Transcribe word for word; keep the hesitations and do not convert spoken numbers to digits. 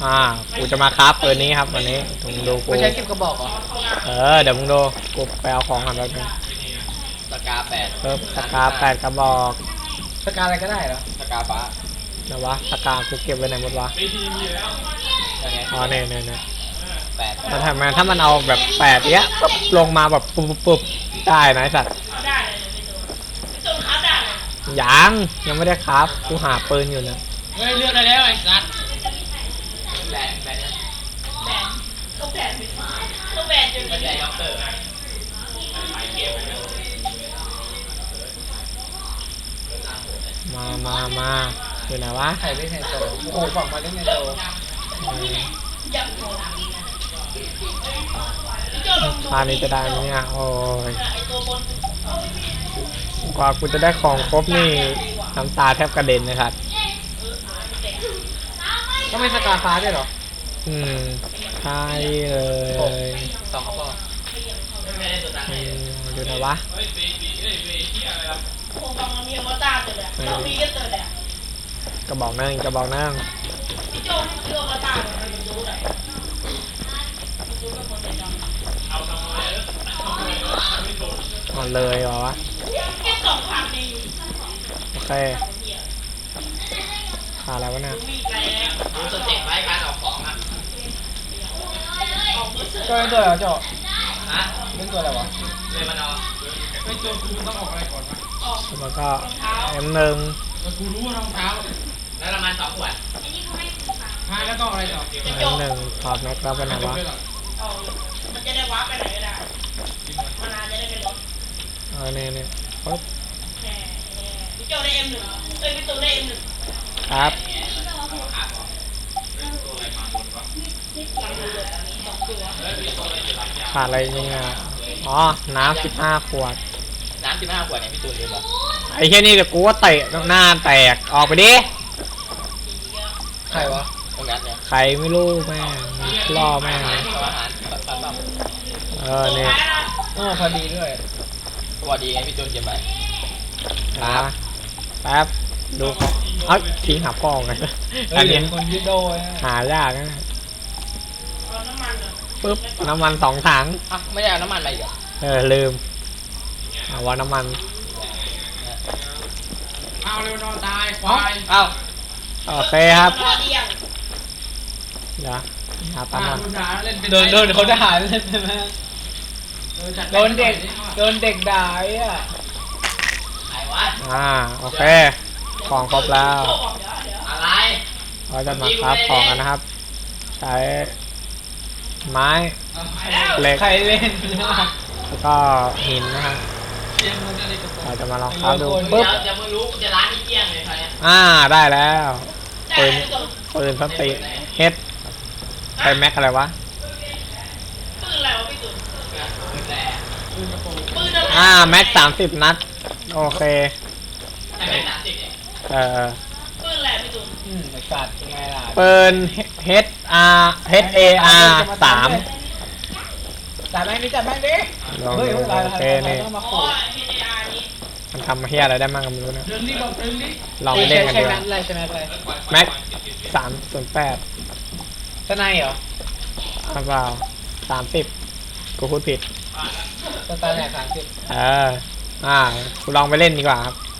อ่ากูจะมาคราฟปืนนี้ครับวันนี้มึงดูกูไม่ใช่เก็บกระบอกเหรอเออเดี๋ยวมึงดูกูไปเอาของกันแป๊บนึงสกาแปดเพิ่มสกาแปดกระบอกสกาอะไรก็ได้เหรอสกาฟ้านะวะสกากูเก็บไว้ไหนหมดวะอ๋อเนี่ยเนี่ยเนี่ยแปดแต่ทำไมถ้ามันเอาแบบแปดเนี้ยปุ๊บลงมาแบบปุ๊บปุ๊บได้นะไอ้สัตว์ยังยังไม่ได้ครับกูหาปืนอยู่นะเฮ้ยเลือกได้แล้วไอ้สัตว์แบนแบนแบนต้องแบนต้องแบนจนไม่ใช่ด็อกเตอร์มามามาอยู่ไหนวะใครเล่นไฮโซโอ้โหฝั่งมาเล่นไฮโซพานี้จะได้ไหมเนี่ยโอ้ยกว่ากูจะได้ของครบนี่น้ำตาแทบกระเด็นนะครับก็ไม่สกาฟ้าด้วยเหรออืมใช่เลยสองกระบอกดูนะวะกระบอกนั่งกระบอกนั่งอ่อนเลยเหรอวะโอเคขาดอะไรวะเนี่ยดูสเต็ปไว้การออกของอ่ะก็เป็นตัวอะไรเจ้าฮะเป็นตัวอะไรวะเลยมันเอาเป็นตัวกูต้องออกอะไรก่อนวะแล้วก็เอ็มหนึ่งกูรู้ว่ารองเท้าแล้วน้ำมันสองขวดใช่แล้วก็อะไรต่อเอ็มหนึ่งถอดแม็กแล้วไปไหนวะมันจะได้ว้าไปไหนก็ได้มานานจะได้เป็นรถเออเนี่ยเนี่ยปุ๊บพี่โจได้เอ็มหนึ่งเอ้ยพี่ตูนได้เอ็มหนึ่งครับขาดอะไรเนี่ยอ๋อน้ำสิบห้าขวดน้ำสิบห้าขวดเนี่ยพี่ตูนเรียนบอกไอ้แค่นี้เดี๋ยวกูว่าเตะหน้าแตกออกไปดิใครวะตรงนั้นเนี่ยใครไม่รู้แม่ล่อแม่อาหารปัดปั๊มเออเนี่ยโอ้พอดีด้วยพอดีไงพี่ตูนเก็บไปครับแป๊บดูเอ้ยทิ้งหาพ่อไงอันนี้คนยึดโดยหายากนะปึ๊บน้ำมันสองถังอ่ะไม่ได้เอาน้ำมันอะไรอีกเออลืมเอาว่าน้ำมันเอาเร็วนอนตายควายเอาโอเคครับเดี๋ยวหาปั๊มก่อนโดนโดนเขาด่าเล่นใช่ไหมโดนเด็กโดนเด็กด่าอ่ะอ่าโอเคของครบแล้วอะไรเราจะมาคราฟของกันนะครับใช้ไม้เหล็กใครเล่นแล้วก็หินนะครับเราจะมาลองคราฟดูปุ๊บจะไม่รู้จะร้านนี้เกี้ยงเลยใครอ่าได้แล้วปืนปืนสติเฮดใช้แม็กอะไรวะปืนอะไรวะพี่ตุ๋นปืนอะไรอ่าแม็กสามสิบนัดโอเคเออปืนอะไรพี่ตุ๋นอืมสัตว์ยังไงล่ะปืน H R H A R สามจับแม่งดิจับแม่งดิเฮ้ยโอเคนี่มันทำเฮียอะไรได้มั่งกับมึงเนี่ยลองเล่นกันดูแม็กสามส่วนแปดสไนเหรอเปล่าสามสิบกูพูดผิดสไนแหละสามสิบเอออ่ากูลองไปเล่นดีกว่าครับ